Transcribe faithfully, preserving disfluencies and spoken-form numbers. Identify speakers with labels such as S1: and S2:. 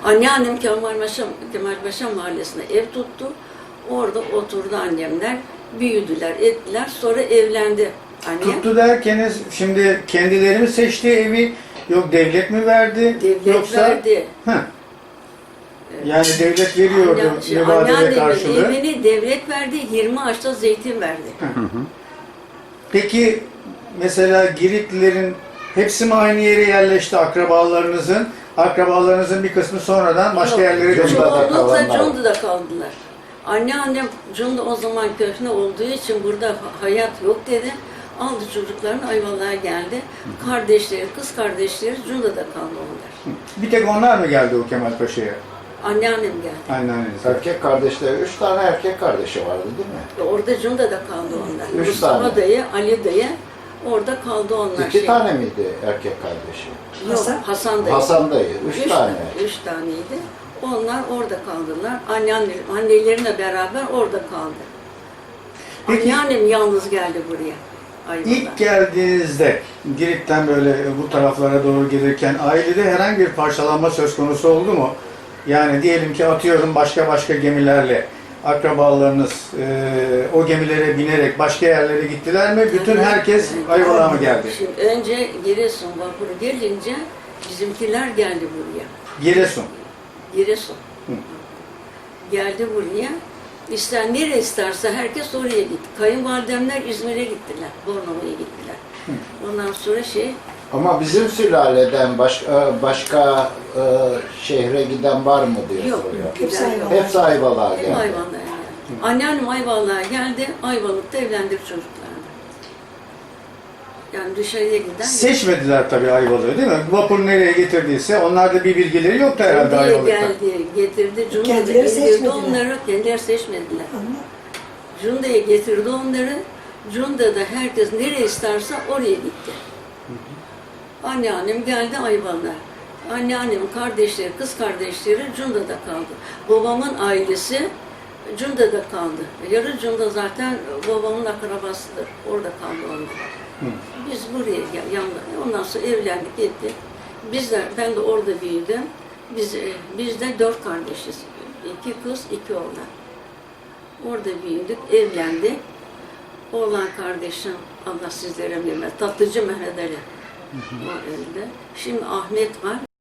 S1: Anneannem Kemalpaşa, Kemalpaşa Mahallesi'nde ev tuttu. Orada oturdu annemler. Büyüdüler, ettiler. Sonra evlendi annem.
S2: Tuttu derkeniz şimdi kendileri mi seçti evi? Yok devlet mi verdi?
S1: Devlet
S2: Yoksa...
S1: verdi.
S2: Heh. Yani devlet veriyordu
S1: Anne- şey,
S2: mübadele
S1: anneannemin
S2: karşılığı.
S1: evini devlet verdi. yirmi ağaçta zeytin verdi.
S2: Peki mesela Giritlilerin hepsi mi aynı yere yerleşti akrabalarınızın? Akrabalarınızın bir kısmı sonradan başka
S1: Yok,
S2: yerlere döndü.
S3: Cunda'da
S1: çoğunlukla
S3: kalanlar.
S1: Cunda'da kaldılar. Anneannem Cunda o zaman köhne olduğu için burada hayat yok dedi. Aldı çocuklarını Ayvalık'a geldi. Kardeşleri, kız kardeşleri Cunda'da kaldı onlar.
S2: Bir tek onlar mı geldi o Kemalpaşa'ya?
S1: Anneannem geldi.
S2: Anneanneniz.
S3: Erkek kardeşleri, üç tane erkek kardeşi vardı değil mi?
S1: Orada Cunda'da kaldı onlar.
S3: Üç
S1: Mustafa
S3: tane.
S1: dayı, Ali dayı orada kaldı onlar.
S3: İki
S1: şey.
S3: tane miydi erkek kardeşi?
S1: Yok,
S4: Hasan?
S1: Hasan dayı.
S3: Hasan dayı, üç,
S1: Üç
S3: tane.
S1: Üç taneydi. Onlar orada kaldılar. Anneanne, anneleriyle beraber orada kaldı.
S2: Peki-
S1: Anneannem yalnız geldi buraya. Ayvalık'a.
S2: İlk geldiğinizde Girit'ten böyle bu taraflara doğru gelirken ailede herhangi bir parçalanma söz konusu oldu mu? Yani diyelim ki atıyorum başka başka gemilerle akrabalarınız e, o gemilere binerek başka yerlere gittiler mi? Bütün herkes Ayvalık'a mı geldi?
S1: Şimdi önce Giresun vapuru gelince bizimkiler geldi buraya.
S2: Giresun.
S1: Giresun.
S2: Hı.
S1: Geldi buraya. İster nereye isterse herkes oraya gitti. Kayınvalidemler İzmir'e gittiler. Bornova'ya gittiler. Ondan sonra şey
S3: Ama bizim sülaleden başka başka e, şehre giden var mı diye
S1: yok.
S3: soruyor.
S4: Hepsi
S1: Gider yok.
S4: Ayvalık'a.
S3: Hepsi Ayvalık'a
S1: Hep
S3: geldi.
S1: Ayvalık'a geldi. Anneannem Ayvalık'a geldi. Ayvalık'ta evlendik çocuklarla. Yani dışarıya giden
S2: Seçmediler tabii Ayvalık'ı değil mi? Vapur nereye getirdiyse onlarda bir bilgileri yoktu herhalde
S1: Cunda'ya
S2: Ayvalık'ta.
S1: geldi, getirdi. Cunda'da
S4: Kendileri
S1: indirdi
S4: seçmediler.
S1: onları. Kendileri seçmediler.
S4: Ama
S1: Cunda'ya getirdi onları. Cunda'da herkes nereye isterse oraya gitti. Anneannem geldi Ayvalık'a. Anneannemin kardeşleri, kız kardeşleri Cunda'da kaldı. Babamın ailesi Cunda'da kaldı. Yarı Cunda zaten babamın akrabasıdır. Orada kaldı onlar.
S2: Hı.
S1: Biz buraya gel- yandı. Ondan sonra evlendik, ettik. Biz de, ben de orada büyüdüm. Biz, e, biz de dört kardeşiz. İki kız, iki oğlan. Orada büyüdük, evlendik. Oğlan kardeşim, Allah sizlere bilmez, Tatlıcı Mehmet Ali. O öldü. Şimdi Ahmet var.